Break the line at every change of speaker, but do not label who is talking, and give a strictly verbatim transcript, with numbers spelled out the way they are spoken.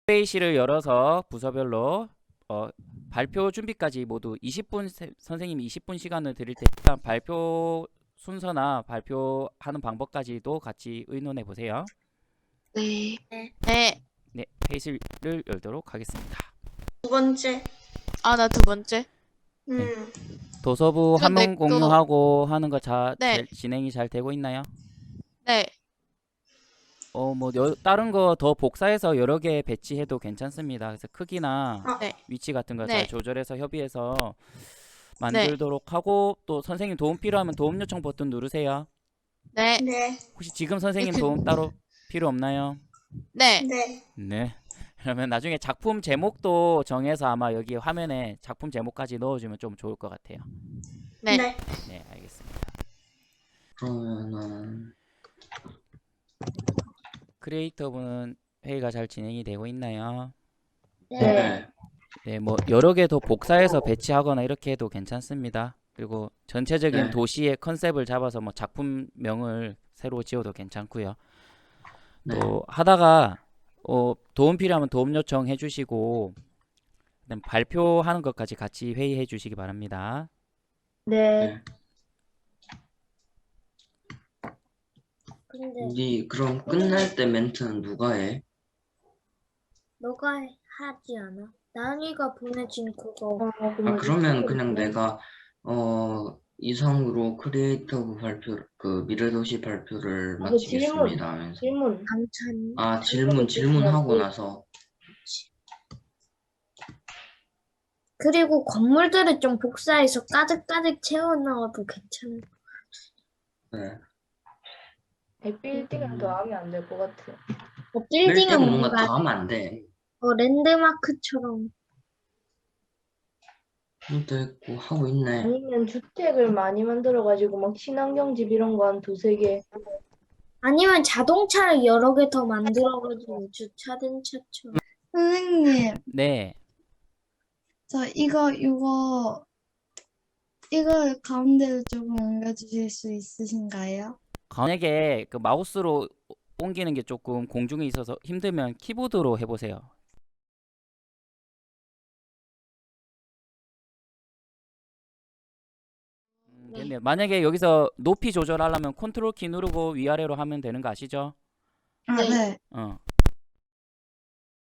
회의실을 열어서 부서별로 어, 발표 준비까지 모두 이십 분 세- 선생님이 이십 분 시간을 드릴 테니까 발표 순서나 발표하는 방법까지도 같이 의논해 보세요.
네.
네.
네, 회의실을 열도록 하겠습니다.
두 번째.
아, 나 두 번째.
음.
도서부
이건
한문
내 거.
공유하고 하는 거 자,
네.
제- 진행이 잘 되고 있나요?
네.
어, 뭐 여- 다른 거 더 복사해서 여러 개 배치해도 괜찮습니다. 그래서 크기나
아,
네.
위치 같은 거
네.
잘 조절해서 협의해서 만들도록 하고 또 선생님 도움 필요하면 도움 요청 버튼 누르세요.
네.
네.
혹시 지금 선생님
이렇게-
도움 따로 필요 없나요?
네.
네.
네. 그러면 나중에 작품 제목도 정해서 아마 여기 화면에 작품 제목까지 넣어주면 좀 좋을 것 같아요.
네.
네.
네, 알겠습니다.
그러면은
크리에이터분은 회의가 잘 진행이 되고 있나요?
네.
네, 뭐 여러 개 더 복사해서 배치하거나 이렇게 해도 괜찮습니다. 그리고 전체적인
네.
도시의 컨셉을 잡아서 뭐 작품명을 새로 지어도 괜찮고요.
네.
또 하다가 어, 도움 필요하면 도움 요청해 주시고 그다음 발표하는 것까지 같이 회의해 주시기 바랍니다.
네.
근데
우리 그럼 끝날 때 멘트는 누가 해?
너가 하지 않아? 나은이가 보내준 그거.
아 그러면 그냥 내가 어 이상으로 크리에이터부 발표 그 미래도시 발표를
아, 그 질문.
마치겠습니다 하면서
질문.
강찬이.
아 질문 질문하고 나서
그리고 건물들을 좀 복사해서 가득가득 채워 넣어도 괜찮을 것
네.
빌딩은 더 하면 안 될 것 같아.
같아. 어, 빌딩은
빌딩은 뭔가
뭔가
더 하면 안 돼.
어, 랜드마크처럼.
또 있고 하고 있네.
아니면 주택을 많이 만들어가지고 막 친환경 집 이런 거 한 두세 개.
아니면 자동차를 여러 개 더 만들어가지고 주차된 차처럼.
선생님,
네.
저 이거, 이거, 이거 가운데로 조금 옮겨주실 수 있으신가요?
만약에 그 마우스로 옮기는 게 조금 공중에 있어서 힘들면 키보드로 해보세요. 음,
네.
됐네요. 만약에 여기서 높이 조절하려면 컨트롤 키 누르고 위아래로 하면 되는 거 아시죠?
아,
네.
네.
어.